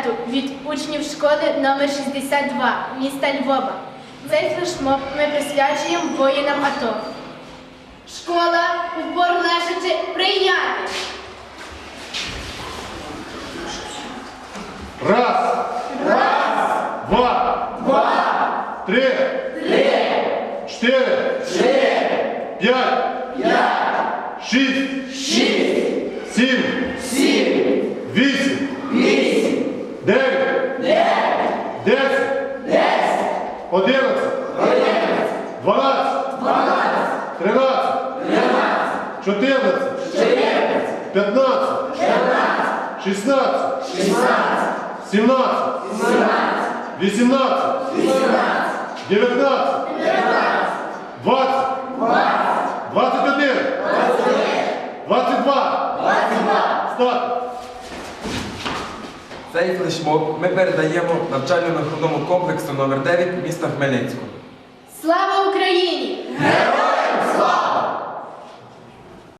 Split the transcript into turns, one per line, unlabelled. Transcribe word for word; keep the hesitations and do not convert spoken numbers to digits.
концерту від учнів школи номер шістдесят два міста Львова. Цей флешмоб ми присвячуємо воїнам АТО. Школа упор лежачи прийняти.
Раз.
Раз.
Два.
Два.
Три.
Три.
Чотири.
Чотири.
П'ять.
П'ять.
Шість.
Шість.
Сім.
Сім.
Вісім.
Вісім.
Дев'ять.
Дев'ять.
Десять.
Десять.
Одинадцять.
Одинадцять.
Дванадцять.
Дванадцять.
Тринадцять.
Тринадцять.
Чотирнадцять.
Чотирнадцять.
П'ятнадцять.
П'ятнадцять.
Шістнадцять.
Шістнадцять.
Сімнадцять.
Сімнадцять.
Вісімнадцять.
Вісімнадцять.
Дев'ятнадцять.
Дев'ятнадцять.
Двадцять.
Двадцять.
Двадцять один.
Двадцять один.
Двадцять два.
Двадцять два.
Стати.
Цей флешмоб ми передаємо навчально-наховному комплексу номер дев'ять міста Хмельницького.
Слава Україні!
Героям слава!